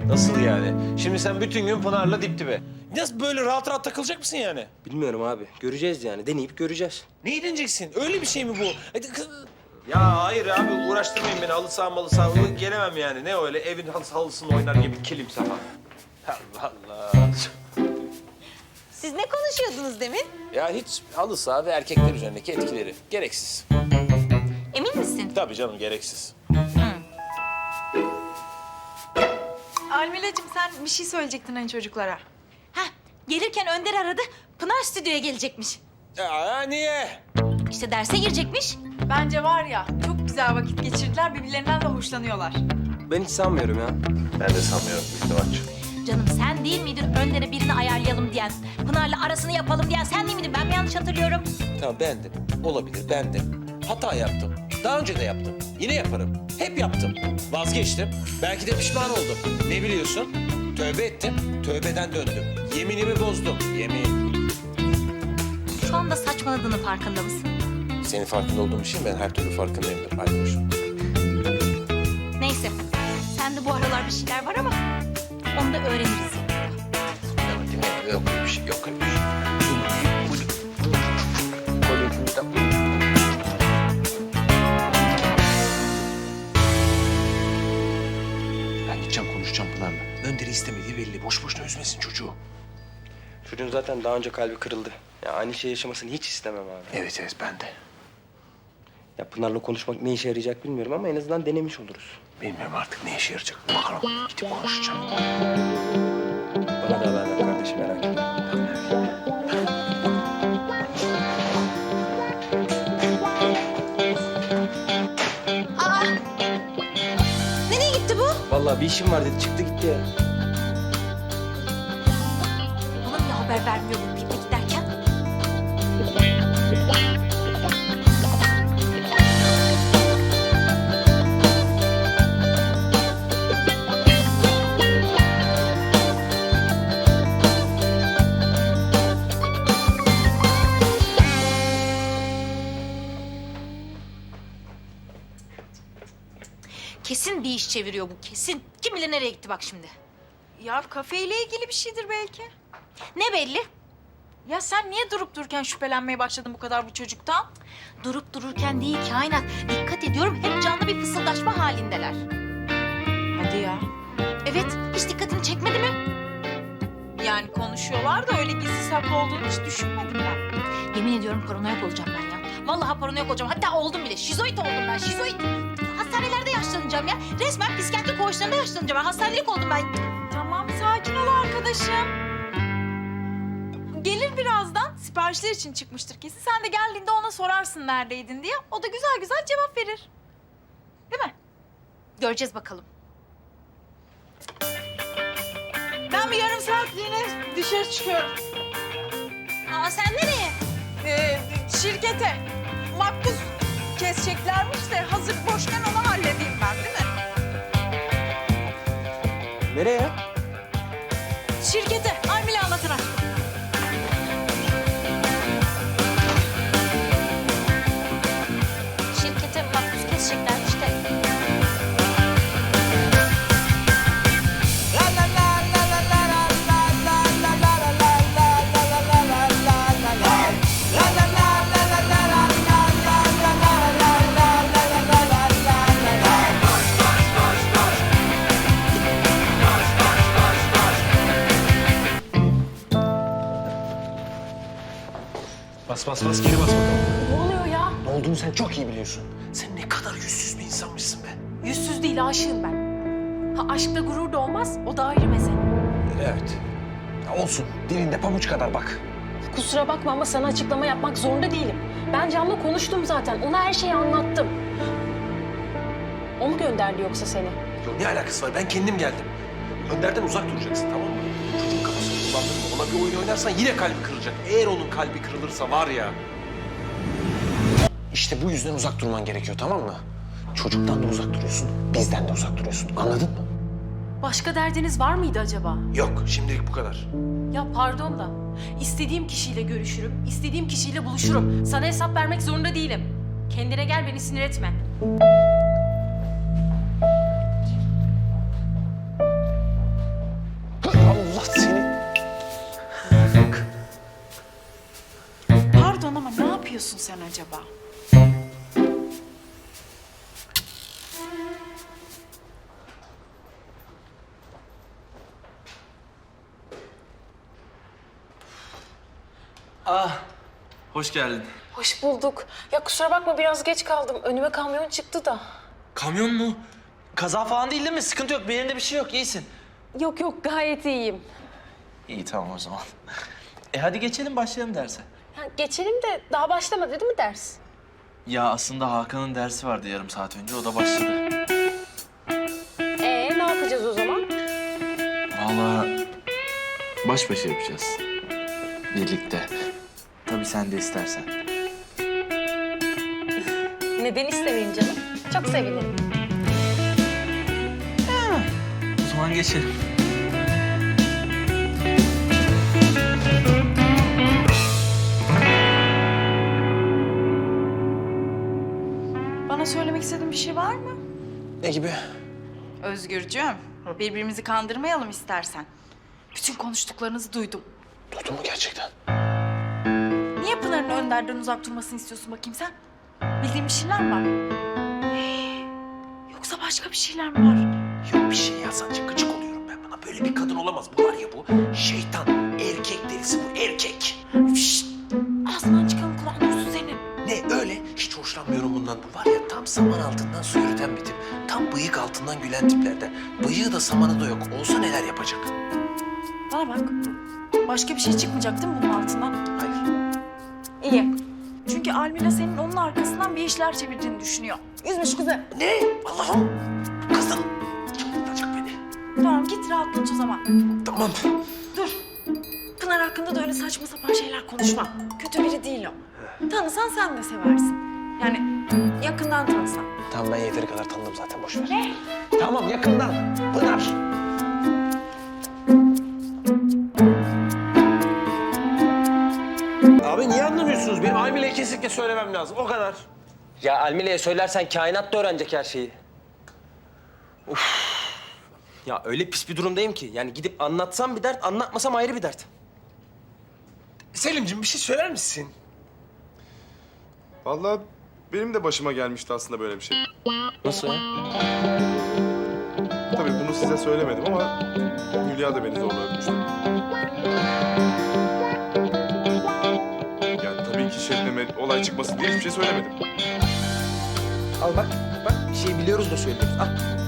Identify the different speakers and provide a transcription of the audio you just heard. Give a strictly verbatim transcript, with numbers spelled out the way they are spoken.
Speaker 1: Nasıl yani? Şimdi sen bütün gün Pınar'la dip dibe. Nasıl böyle rahat rahat takılacak mısın yani?
Speaker 2: Bilmiyorum abi. Göreceğiz yani. Deneyip göreceğiz.
Speaker 1: Ne edineceksin? Öyle bir şey mi bu? Hadi kız... Ya hayır abi uğraştırmayın beni. Halı saha malı saha. Gelemem yani. Ne öyle evin halı halısını oynar gibi kilim saha. Allah Allah.
Speaker 3: Siz ne konuşuyordunuz demin?
Speaker 1: Ya hiç halı saha ve erkekler üzerindeki etkileri. Gereksiz.
Speaker 3: Emin misin?
Speaker 1: Tabii canım gereksiz.
Speaker 4: Almila'cığım sen bir şey söyleyecektin hani çocuklara.
Speaker 3: Heh, gelirken Önder aradı. Pınar stüdyoya gelecekmiş.
Speaker 1: Ya niye?
Speaker 3: İşte derse girecekmiş.
Speaker 4: Bence var ya çok güzel vakit geçirdiler, birbirlerinden de hoşlanıyorlar.
Speaker 2: Ben hiç sanmıyorum ya.
Speaker 1: Ben de sanmıyorum İhtimal'cığım.
Speaker 3: Canım sen değil miydin Önder'e birini ayarlayalım diyen, Pınar'la arasını yapalım diyen sen değil miydin? Ben mi yanlış hatırlıyorum?
Speaker 1: Tamam bendim. Olabilir bendim. Hata yaptım. Daha önce de yaptım. Yine yaparım. Hep yaptım. Vazgeçtim. Belki de pişman oldum. Ne biliyorsun? Tövbe ettim. Tövbeden döndüm. Yeminimi bozdum. Yemin.
Speaker 3: Şu anda saçmaladığının farkında mısın?
Speaker 1: Senin farkında olduğum için ben her türlü farkındayımdır. Aydoş.
Speaker 3: Neyse. Sende bu aralar bir şeyler var ama onu da öğreniriz.
Speaker 1: Yok öyle bir şey. Yok öyle bir şey. Ben gideceğim konuşacağım Pınar'la. Önder'i istemediği belli. Boş boşuna üzmesin çocuğu.
Speaker 2: Çocuğun zaten daha önce kalbi kırıldı. Ya aynı şey yaşamasını hiç istemem abi.
Speaker 1: Evet evet ben de.
Speaker 2: Ya Pınar'la konuşmak ne işe yarayacak bilmiyorum ama en azından denemiş oluruz.
Speaker 1: Bilmiyorum artık ne işe yarayacak. Bakalım. Gidip konuşacağım.
Speaker 2: Bana da haber ver kardeşim, merak etme.
Speaker 3: Aa! Nereye gitti bu?
Speaker 2: Vallahi bir işim var dedi, çıktı gitti ya.
Speaker 3: Bana niye haber vermiyor bu piknik derken? Kesin bir iş çeviriyor bu, kesin. Kim bilir nereye gitti bak şimdi.
Speaker 4: Ya kafeyle ilgili bir şeydir belki.
Speaker 3: Ne belli?
Speaker 4: Ya sen niye durup dururken şüphelenmeye başladın bu kadar bu çocuktan?
Speaker 3: Durup dururken değil kainat. Dikkat ediyorum hep canlı bir fısıldaşma halindeler.
Speaker 4: Hadi ya.
Speaker 3: Evet, hiç dikkatini çekmedi mi?
Speaker 4: Yani konuşuyorlar da öyle gizli saklı olduğunu hiç düşünmedim ben.
Speaker 3: Yemin ediyorum paranoyak olacağım ben ya. Vallahi paranoyak olacağım. Hatta oldum bile. Şizoid oldum ben, şizoid. Hastanelerde yaşlanacağım ya. Resmen psikiyatri koğuşlarında yaşlanacağım. Ben hastanelik oldum ben.
Speaker 4: Tamam sakin ol arkadaşım. Gelir birazdan. Siparişler için çıkmıştır kesin. Sen de geldiğinde ona sorarsın neredeydin diye. O da güzel güzel cevap verir. Değil mi?
Speaker 3: Göreceğiz bakalım.
Speaker 4: Ben bir yarım saatliğine dışarı çıkıyorum.
Speaker 3: Aa sen nereye?
Speaker 4: Ee, şirkete makbuz keseceklermiş de hazır boşken onu halledeyim ben değil mi?
Speaker 2: Nereye?
Speaker 4: Şirkete Almila anlatına.
Speaker 3: Şirkete makbuz keseceklermiş de.
Speaker 1: Bas bas bas geri bas bakalım.
Speaker 4: Ne oluyor ya?
Speaker 1: Ne olduğunu sen çok iyi biliyorsun. Sen ne kadar yüzsüz bir insanmışsın be.
Speaker 4: Yüzsüz değil aşığım ben. Ha aşkta gurur da olmaz o da ayrı mesele.
Speaker 1: Evet. Ya olsun. Dilinde pabuç kadar bak.
Speaker 5: Kusura bakma ama sana açıklama yapmak zorunda değilim. Ben Can'la konuştum zaten. Ona her şeyi anlattım. O mu gönderdi yoksa seni?
Speaker 1: Yok ne alakası var? Ben kendim geldim. Önder'den uzak duracaksın tamam mı? Çocuğun kafasını kullandırma. Ona bir oyun oynarsan yine kalbi kırılacak. Eğer onun kalbi kırılırsa var ya. İşte bu yüzden uzak durman gerekiyor tamam mı? Çocuktan da uzak duruyorsun, bizden de uzak duruyorsun. Anladın mı?
Speaker 5: Başka derdiniz var mıydı acaba?
Speaker 1: Yok, şimdilik bu kadar.
Speaker 5: Ya pardon da istediğim kişiyle görüşürüm, istediğim kişiyle buluşurum. Sana hesap vermek zorunda değilim. Kendine gel, beni sinir etme.
Speaker 4: yapıyorsun sen acaba?
Speaker 6: Ah, hoş geldin.
Speaker 5: Hoş bulduk. Ya kusura bakma biraz geç kaldım. Önüme kamyon çıktı da.
Speaker 6: Kamyon mu? Kaza falan değil değil mi? Sıkıntı yok. Bir yerinde bir şey yok. İyisin.
Speaker 5: Yok yok gayet iyiyim.
Speaker 6: İyi tamam o zaman. E hadi geçelim başlayalım derse.
Speaker 5: Ya geçelim de daha başlamadı değil mi ders?
Speaker 6: Ya aslında Hakan'ın dersi vardı yarım saat önce. O da başladı.
Speaker 5: Ee ne yapacağız o zaman?
Speaker 6: Vallahi baş başa yapacağız. Birlikte. Tabii sen de istersen.
Speaker 5: Neden istemeyeyim canım? Çok sevinirim.
Speaker 6: O zaman geçelim.
Speaker 4: Bana söylemek istediğin bir şey var mı?
Speaker 1: Ne gibi?
Speaker 4: Özgürcüğüm, birbirimizi kandırmayalım istersen. Bütün konuştuklarınızı duydum.
Speaker 1: Duydun mu gerçekten?
Speaker 4: Niye Pınar'ın Önder'den uzak durmasını istiyorsun bakayım sen? Bildiğin bir şeyler mi var? Yoksa başka bir şeyler mi var?
Speaker 1: Yok bir şey ya, sadece gıcık oluyorum ben buna. Böyle bir kadın olamaz. Bu var ya bu. Şeytan. Erkek delisi bu. Erkek.
Speaker 4: Şşt! Ağzından çıkan kulağın duysun senin.
Speaker 1: Ne öyle? Hiç hoşlanmıyorum bundan. Bu var ya tam saman altından su yürüten bir tip. Tam bıyık altından gülen tiplerden. Bıyığı da samanı da yok. Olsa neler yapacak?
Speaker 4: Bana bak. Başka bir şey çıkmayacak değil mi bunun altından?
Speaker 1: Hayır.
Speaker 4: İyi. Çünkü Almila senin onun arkasından bir işler çevirdiğini düşünüyor. Üzmüş kızı.
Speaker 1: Ne? Allah'ım. Bu kadın çıldırtacak beni.
Speaker 4: Tamam git rahatlat o zaman.
Speaker 1: Tamam.
Speaker 4: Dur. Pınar hakkında da öyle saçma sapan şeyler konuşma. Kötü biri değil o. Tanısan sen de seversin. Yani yakından tanısan.
Speaker 1: Tamam ben yeteri kadar tanıdım zaten. Boş ver. Ne? Tamam yakından. Pınar. Abi niye anlamıyorsunuz? Benim Almile'ye kesinlikle söylemem lazım. O kadar.
Speaker 2: Ya Almile'ye söylersen kainat da öğrenecek her şeyi. Uf. Ya öyle pis bir durumdayım ki. Yani gidip anlatsam bir dert, anlatmasam ayrı bir dert.
Speaker 1: Selimciğim bir şey söyler misin?
Speaker 7: Vallahi benim de başıma gelmişti aslında böyle bir şey.
Speaker 2: Nasıl ya?
Speaker 7: Tabii bunu size söylemedim ama Hülya da beni zorla öpmüştü. Yani tabii ki Şebnem'e olay çıkmasın diye hiçbir şey söylemedim.
Speaker 2: Al bak, bak bir şey biliyoruz da söylüyoruz. Al.